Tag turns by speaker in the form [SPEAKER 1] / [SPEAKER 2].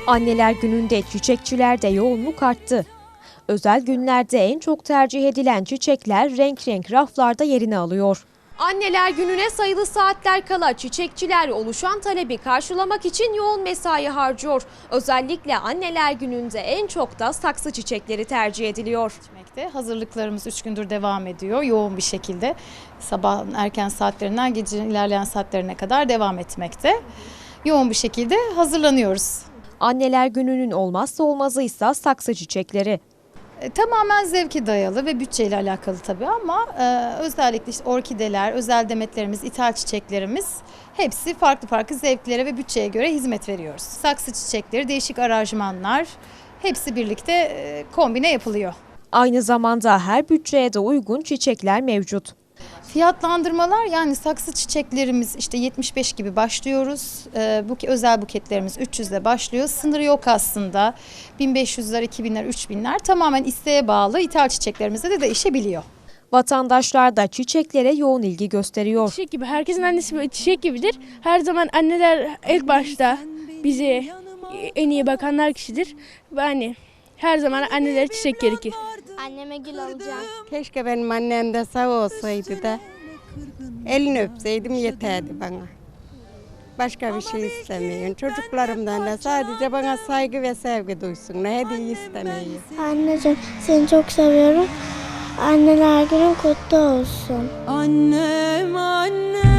[SPEAKER 1] Anneler Günü'nde çiçekçilerde yoğunluk arttı. Özel günlerde en çok tercih edilen çiçekler renk renk raflarda yerini alıyor. Anneler Günü'ne sayılı saatler kala çiçekçiler oluşan talebi karşılamak için yoğun mesai harcıyor. Özellikle Anneler Günü'nde en çok da saksı çiçekleri tercih ediliyor.
[SPEAKER 2] Hazırlıklarımız 3 gündür devam ediyor yoğun bir şekilde. Sabahın erken saatlerinden gecenin ilerleyen saatlerine kadar devam etmekte. Yoğun bir şekilde hazırlanıyoruz.
[SPEAKER 1] Anneler Günü'nün olmazsa olmazı ise saksı çiçekleri.
[SPEAKER 2] Tamamen zevke dayalı ve bütçeyle alakalı tabii ama özellikle işte orkideler, özel demetlerimiz, ithal çiçeklerimiz hepsi farklı farklı zevklere ve bütçeye göre hizmet veriyoruz. Saksı çiçekleri, değişik aranjmanlar hepsi birlikte kombine yapılıyor.
[SPEAKER 1] Aynı zamanda her bütçeye de uygun çiçekler mevcut.
[SPEAKER 2] Fiyatlandırmalar yani saksı çiçeklerimiz işte 75 gibi başlıyoruz. Özel buketlerimiz 300'le başlıyor. Sınırı yok aslında. 1500'ler, 2000'ler, 3000'ler tamamen isteğe bağlı. İthal çiçeklerimizde de değişebiliyor.
[SPEAKER 1] Vatandaşlar da çiçeklere yoğun ilgi gösteriyor.
[SPEAKER 3] Çiçek gibi, herkesin annesi çiçek gibidir. Her zaman anneler ilk başta bize en iyi bakanlar kişidir. Ve hani her zaman annelere çiçek gerekir.
[SPEAKER 4] Anneme gül alacağım.
[SPEAKER 5] Keşke benim annem de sağ olsaydı da elini öpseydim yeterdi bana. Başka bir şey istemiyorum. Çocuklarımdan da sadece bana saygı ve sevgi duysunlar. Hediye istemiyorum.
[SPEAKER 4] Anneciğim seni çok seviyorum. Anneler günün kutlu olsun.
[SPEAKER 6] Annem annem.